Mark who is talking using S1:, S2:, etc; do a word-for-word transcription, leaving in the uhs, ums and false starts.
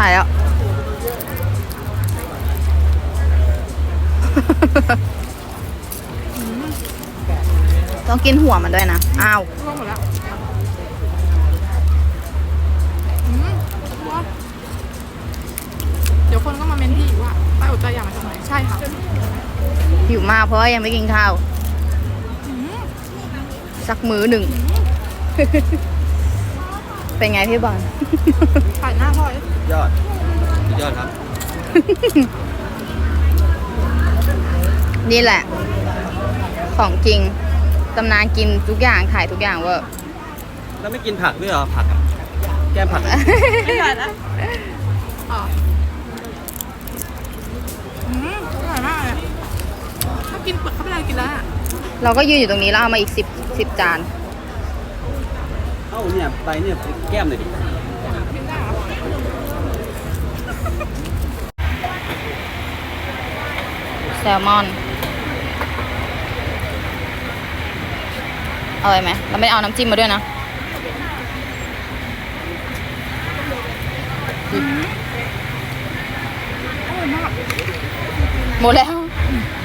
S1: ายแล้ว ต้องกินหัวมันด้วยนะ อ้าว
S2: ร่วงหมดแล้วอืมเดี๋ยวคนก็มาเมนที่อีกว่าป้าอดใจอยากมาทำไมใช่ค่ะ
S1: หิวมากเพราะว่ายังไม่กินข้าว
S2: อืม
S1: สักมื้อหนึ่ง เป็นไงพี่บอล
S2: ถ่ายหน้าพ่อย
S3: ยอดยอดครับ
S1: นี่แหละ ของจริง ตำนานกินทุกอย่างถ่ายทุกอย่างเวอร์
S3: แล้วไม่กินผักด้วยเหรอผักอะแก้มผักอะ
S2: ไม่ได้นะอ๋ออืมอร่อยมากเลยถ้ากินเปลือกเข้าไปเลยกินแล้วอะ
S1: เราก็ยืนอยู่ตรงนี้แล้วเอามาอีกสิบสิบจาน
S3: เอ้าเนี่ยไปเนี่ยแก้มเลยดิ
S2: กินได้เหรอ
S1: แซลมอน อร่อยไหมเราไม่เอาน้ำจิ้มมาด้วยนะ
S2: อร่อยมาก
S1: หมดแล้ว